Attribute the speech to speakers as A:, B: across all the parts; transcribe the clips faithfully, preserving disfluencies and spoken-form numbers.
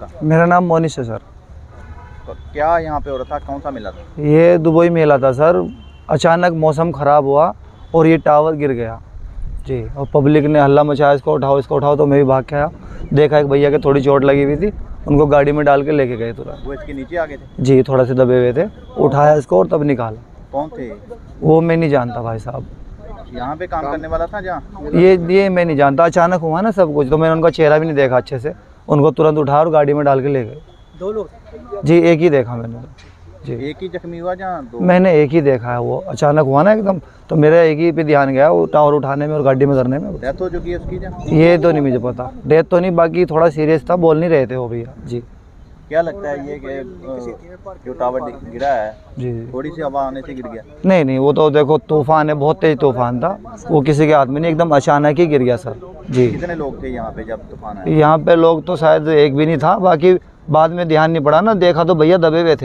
A: आपका?
B: मेरा नाम मोनिश है सर।
A: तो क्या यहाँ पे हो रहा था, कौन सा मेला था?
B: ये दुबई मेला था सर। अचानक मौसम ख़राब हुआ और ये टावर गिर गया जी, और पब्लिक ने हल्ला मचाया, इसको उठाओ इसको उठाओ। तो मैं भी भाग के आया, देखा एक भैया के थोड़ी चोट लगी हुई थी, उनको गाड़ी में डाल के लेके गए तुरंत।
A: वो इसके नीचे आ गए थे?
B: जी, थोड़ा से दबे हुए थे, उठाया इसको और तब निकाला।
A: कौन थे?
B: वो मैं नहीं जानता भाई साहब,
A: यहाँ पे काम करने वाला था जहाँ?
B: ये ये मैं नहीं जानता, अचानक हुआ ना सब कुछ, तो मैंने उनका चेहरा भी नहीं देखा अच्छे से। उनको तुरंत उठाया और गाड़ी में डाल के ले गए। दो लोग? जी, एक ही देखा मैंने जी।
A: एक ही जख्मी हुआ जहाँ? दो?
B: मैंने एक ही देखा है, वो अचानक हुआ ना एकदम, तो मेरा एक ही पे ध्यान गया, वो टावर उठाने में और गाड़ी में करने में।
A: डेथ हो चुकी है उसकी जहाँ?
B: ये तो नहीं मुझे पता, डेथ तो नहीं, बाकी थोड़ा सीरियस था, बोल नहीं रहे थे वो भैया जी।
A: क्या लगता है ये कि जो टावर गिरा है
B: जी
A: थोड़ी सी हवा आने से गिर गया?
B: नहीं नहीं, वो तो देखो तूफान है, बहुत तेज तूफान था, वो किसी के हाथ में नहीं, एकदम अचानक ही गिर गया सर जी।
A: कितने लोग थे यहाँ पे जब तूफान आया?
B: यहाँ पे लोग तो शायद एक भी नहीं था, बाकी बाद में ध्यान नहीं पड़ा ना, देखा तो भैया दबे हुए थे।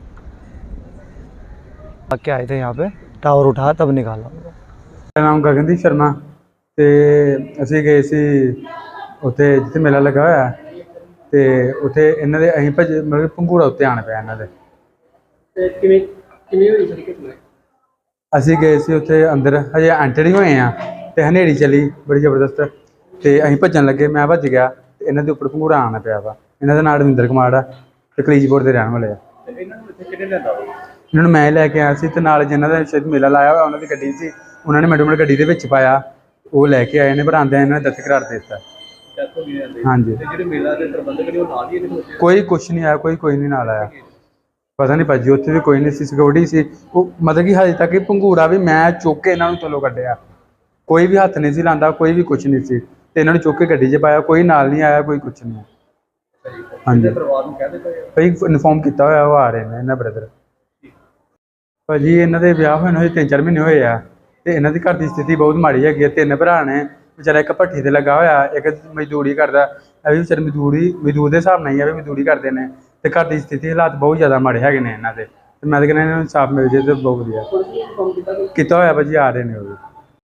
B: क्या आए थे यहाँ पे, टावर उठाया तब निकाला।
C: मेरा नाम गगनदीप शर्मा, ਤੇ ਅਸੀਂ ਗਏ ਸੀ ਉੱਥੇ ਜਿੱਥੇ ਮੇਲਾ ਲੱਗਾ ਹੋਇਆ, ਤੇ ਉੱਥੇ ਇਹਨਾਂ ਦੇ ਅਸੀਂ ਭੱਜ ਮਤਲਬ ਪੰਘੂੜਾ ਉੱਤੇ ਆਣ ਪਿਆ ਇਹਨਾਂ ਦੇ।
D: ਤੇ ਕਿਵੇਂ ਕਿਵੇਂ ਹੋਈ ਸਾਰੀ ਘਟਨਾ?
C: ਅਸੀਂ ਗਏ ਸੀ ਉੱਥੇ ਅੰਦਰ, ਹਜੇ ਐਂਟਰ ਹੀ ਹੋਏ ਆ ਤੇ ਹਨੇਰੀ ਚੱਲੀ ਬੜੀ ਜ਼ਬਰਦਸਤ, ਤੇ ਅਸੀਂ ਭੱਜਣ ਲੱਗੇ, ਮੈਂ ਭੱਜ ਗਿਆ ਤੇ ਇਹਨਾਂ ਦੇ ਉੱਪਰ ਪੰਘੂੜਾ ਆਣ ਪਿਆ ਵਾ। ਇਹਨਾਂ ਦਾ ਨਾਮ ਰਵਿੰਦਰ ਕੁਮਾਰ ਆ ਤੇ ਕਲੀਜਪੁਰ ਦੇ ਰਹਿਣ ਵਾਲੇ ਆ।
A: ਇਹਨਾਂ ਨੂੰ ਇੱਥੇ ਕਿਹਨੇ ਲਿਆਂਦਾ?
C: ਇਹਨਾਂ ਨੂੰ ਮੈਂ ਲੈ ਕੇ ਆਇਆ ਸੀ, ਤੇ ਨਾਲ ਜਿਨ੍ਹਾਂ ਦਾ ਸ਼ਾਇਦ ਮੇਲਾ ਲਾਇਆ ਹੋਇਆ ਉਹਨਾਂ ਦੀ ਗੱਡੀ ਸੀ, ਉਹਨਾਂ ਨੇ ਮੈਡਮ ਗੱਡੀ ਦੇ ਵਿੱਚ ਪਾਇਆ, ਉਹ ਲੈ ਕੇ ਆਏ ਨੇ, ਪਰ ਆਉਂਦਿਆਂ ਇਹਨਾਂ ਨੇ ਦਸਤ ਕਰਾਰ ਦੇ ਦਿੱਤਾ। ਹਾਂਜੀ,
D: ਜਿਹੜੇ ਮੇਲਾ ਦੇ ਪ੍ਰਬੰਧਕ ਨੇ ਉਹ ਨਾਲ ਹੀ ਇਹਦੇ
C: ਕੋਈ ਕੁਛ ਨਹੀਂ ਆਇਆ, ਕੋਈ ਕੋਈ ਨਹੀਂ ਨਾਲ ਆਇਆ, ਪਤਾ ਨਹੀਂ ਭਾਜੀ ਉੱਥੇ ਵੀ ਕੋਈ ਨਹੀਂ ਸੀ, ਸਿਕਿਉਰਿਟੀ ਸੀ ਉਹ, ਮਤਲਬ ਕਿ ਹਜੇ ਤੱਕ ਇਹ ਪੰਘੂੜਾ ਵੀ ਮੈਂ ਚੁੱਕ ਕੇ ਇਹਨਾਂ ਨੂੰ ਥੱਲੋਂ ਕੱਢਿਆ, ਕੋਈ ਵੀ ਹੱਥ ਨਹੀਂ ਸੀ ਲਾਉਂਦਾ, ਕੋਈ ਵੀ ਕੁਛ ਨਹੀਂ ਸੀ, ਤੇ ਇਹਨਾਂ ਨੂੰ ਚੁੱਕ ਕੇ ਗੱਡੀ 'ਚ ਪਾਇਆ, ਕੋਈ ਨਾਲ ਨਹੀਂ ਆਇਆ, ਕੋਈ ਕੁਛ ਨਹੀਂ। ਹਾਂਜੀ,
D: ਪਰਿਵਾਰ ਨੂੰ ਕਹਿ ਦਿੱਤਾ
C: ਭਾਈ ਇਨਫੋਰਮ ਕੀਤਾ ਹੋਇਆ, ਉਹ ਆ ਰਹੇ ਨੇ ਇਹਨਾਂ ਬ੍ਰਦਰ। ਭਾਜੀ ਇਹਨਾਂ ਦੇ ਵਿਆਹ ਹੋਏ ਨੂੰ ਹਜੇ ਤਿੰਨ ਚਾਰ ਮਹੀਨੇ ਹੋਏ ਆ, ਤੇ ਇਹਨਾਂ ਦੀ ਘਰ ਦੀ ਸਥਿਤੀ ਬਹੁਤ ਮਾੜੀ ਹੈਗੀ ਹੈ। ਤਿੰਨ ਭਰਾ ਨੇ, ਵਿਚਾਰਾ ਇੱਕ ਭੱਠੀ ਤੇ ਲੱਗਾ ਹੋਇਆ, ਇੱਕ ਮਜ਼ਦੂਰੀ ਕਰਦਾ, ਇਹ ਵੀ ਵਿਚਾਰੇ ਮਜ਼ਦੂਰੀ ਮਜ਼ਦੂਰ ਦੇ ਹਿਸਾਬ ਨਾਲ ਹੀ ਆ ਵੀ ਮਜ਼ਦੂਰੀ ਕਰਦੇ ਨੇ, ਤੇ ਘਰ ਦੀ ਸਥਿਤੀ ਹਾਲਾਤ ਬਹੁਤ ਜ਼ਿਆਦਾ ਮਾੜੇ ਹੈਗੇ ਨੇ ਇਹਨਾਂ ਦੇ, ਤੇ ਮੈਂ ਤਾਂ ਕਹਿੰਦਾ ਇਹਨਾਂ ਨੂੰ ਇਨਸਾਫ ਮਿਲ ਜੇ ਤੇ ਬਹੁਤ ਵਧੀਆ ਕੀਤਾ ਹੋਇਆ। ਭਾਜੀ ਆ ਰਹੇ ਨੇ ਉਹ ਵੀ।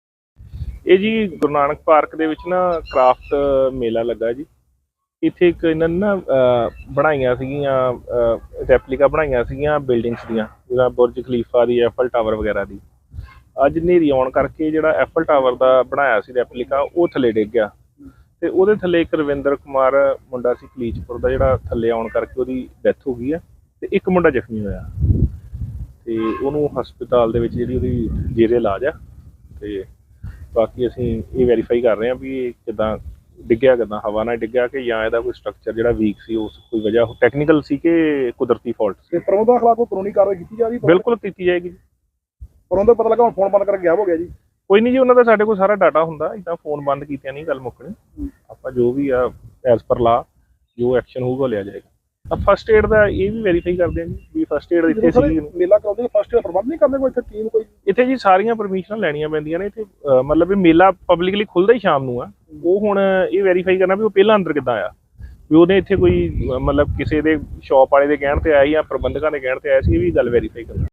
E: ਇਹ ਜੀ ਗੁਰੂ ਨਾਨਕ ਪਾਰਕ ਦੇ ਵਿੱਚ ਨਾ ਕ੍ਰਾਫਟ ਮੇਲਾ ਲੱਗਾ ਜੀ। ਇੱਥੇ ਇੱਕ ਇਹਨਾਂ ਨੇ ਨਾ ਬਣਾਈਆਂ ਸੀਗੀਆਂ ਰੈਪਲੀਕਾ ਬਣਾਈਆਂ ਸੀਗੀਆਂ ਬਿਲਡਿੰਗਸ ਦੀਆਂ, ਜਿੱਦਾਂ ਬੁਰਜ ਖਲੀਫਾ ਦੀ, ਐਫਲ ਟਾਵਰ ਵਗੈਰਾ ਦੀ। ਅੱਜ ਹਨੇਰੀ ਆਉਣ ਕਰਕੇ ਜਿਹੜਾ ਐਫਲ ਟਾਵਰ ਦਾ ਬਣਾਇਆ ਸੀ ਰੈਪਲੀਕਾ, ਉਹ ਥੱਲੇ ਡਿੱਗ ਗਿਆ, ਤੇ ਉਹਦੇ ਥੱਲੇ ਇੱਕ ਰਵਿੰਦਰ ਕੁਮਾਰ ਮੁੰਡਾ ਸੀ ਕਲੀਚਪੁਰ ਦਾ, ਜਿਹੜਾ ਥੱਲੇ ਆਉਣ ਕਰਕੇ ਉਹਦੀ ਡੈਥ ਹੋ ਗਈ ਆ, ਤੇ ਇੱਕ ਮੁੰਡਾ ਜ਼ਖਮੀ ਹੋਇਆ, ਤੇ ਉਹਨੂੰ ਹਸਪਤਾਲ ਦੇ ਵਿੱਚ ਜਿਹੜੀ ਉਹਦੀ ਜੇਰੇ ਇਲਾਜ ਆ। ਤੇ ਬਾਕੀ ਅਸੀਂ ਇਹ ਵੈਰੀਫਾਈ ਕਰ ਰਹੇ ਹਾਂ ਵੀ ਇਹ ਕਿੱਦਾਂ ਡਿੱਗਿਆ, ਕਿੱਦਾਂ ਹਵਾ ਨਾਲ ਡਿੱਗਿਆ, ਕਿ ਜਾਂ ਇਹਦਾ ਕੋਈ ਸਟਰਕਚਰ ਜਿਹੜਾ ਵੀਕ ਸੀ, ਉਸ ਕੋਈ ਵਜ੍ਹਾ ਟੈਕਨੀਕਲ ਸੀ ਕਿ ਕੁਦਰਤੀ ਫਾਲਟ ਸੀ।
D: ਪ੍ਰਬੰਧਕ ਖਿਲਾਫ ਕੋਈ ਕਾਨੂੰਨੀ ਕਾਰਵਾਈ ਕੀਤੀ ਜਾ ਰਹੀ?
E: ਬਿਲਕੁਲ ਕੀਤੀ ਜਾਏਗੀ।
D: ਪਰ ਉਹਦਾ ਪਤਾ ਲੱਗਾ ਹੁਣ ਫੋਨ ਬੰਦ ਕਰਕੇ ਗਿਆ ਹੋ ਗਿਆ ਜੀ।
E: ਕੋਈ ਨਹੀਂ ਜੀ, ਉਹਨਾਂ ਦਾ ਸਾਡੇ ਕੋਲ ਸਾਰਾ ਡਾਟਾ ਹੁੰਦਾ, ਇੱਦਾਂ ਫੋਨ ਬੰਦ ਕੀਤਿਆਂ ਨਹੀਂ ਗੱਲ ਮੁੱਕਣੀ। ਆਪਾਂ ਜੋ ਵੀ ਆ ਐਜ਼ ਪਰ ਲਾ ਜੋ ਐਕਸ਼ਨ ਹੋਊਗਾ ਲਿਆ ਜਾਏਗਾ। ਫਸਟ ਏਡ ਦਾ ਇਹ ਵੀ ਵੈਰੀਫਾਈ ਕਰਦੇ ਹਾਂ ਜੀ ਵੀ ਫਸਟ ਏਡ ਇੱਥੇ ਸੀ।
D: ਮੇਲਾ ਕਰਾਉਂਦੇ ਫਸਟ ਏਡ ਪ੍ਰਬੰਧ ਨਹੀਂ ਕਰਦੇ ਕੋਈ ਇੱਥੇ ਟੀਮ ਕੋਈ?
E: ਇੱਥੇ ਜੀ ਸਾਰੀਆਂ ਪਰਮਿਸ਼ਨਾਂ ਲੈਣੀਆਂ ਪੈਂਦੀਆਂ ਨੇ ਇੱਥੇ, ਮਤਲਬ ਵੀ ਮੇਲਾ ਪਬਲਿਕਲੀ ਖੁੱਲ੍ਹਦਾ ਹੀ ਸ਼ਾਮ ਨੂੰ ਆ। ਉਹ ਹੁਣ ਇਹ ਵੈਰੀਫਾਈ ਕਰਨਾ ਵੀ ਉਹ ਪਹਿਲਾਂ ਅੰਦਰ ਕਿੱਦਾਂ ਆਇਆ, ਵੀ ਉਹਨੇ ਇੱਥੇ ਕੋਈ ਮਤਲਬ ਕਿਸੇ ਦੇ ਸ਼ੌਪ ਵਾਲੇ ਦੇ ਕਹਿਣ ਤੇ ਆਇਆ ਜਾਂ ਪ੍ਰਬੰਧਕਾਂ ਦੇ ਕਹਿਣ ਤੇ ਆਇਆ ਸੀ, ਇਹ ਵੀ ਗੱਲ ਵੈਰੀਫਾਈ ਕਰਨਾ।